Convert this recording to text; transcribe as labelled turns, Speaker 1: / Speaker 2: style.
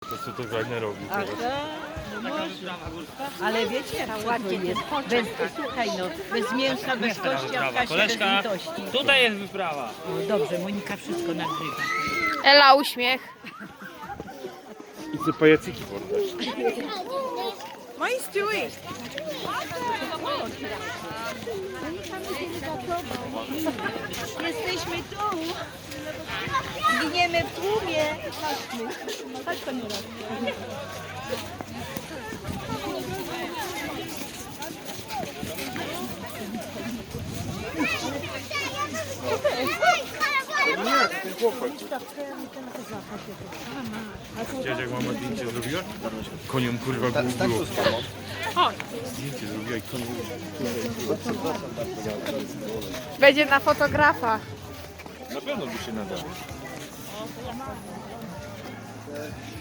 Speaker 1: To co to Wagner robi
Speaker 2: A
Speaker 1: teraz?
Speaker 2: to można. Ale wiecie, ładnie jest. Bez, słuchaj no, bez mięsa, bez kości, a w kasie bez
Speaker 3: Koleżka,
Speaker 2: litości.
Speaker 3: tutaj jest wyprawa.
Speaker 2: O, dobrze, Monika wszystko nagrywa.
Speaker 4: Ela uśmiech.
Speaker 1: I co pajacyki poddać?
Speaker 2: Jesteśmy tu. Zginiemy w tłumie. Chodźmy. Chodź to Nura.
Speaker 1: Widziałeś jak mama zdjęcie zrobiła? Koniom kurwa było. Zdjęcie zrobiła i koniom.
Speaker 4: Będzie na fotografa.
Speaker 1: Na pewno by się nadało.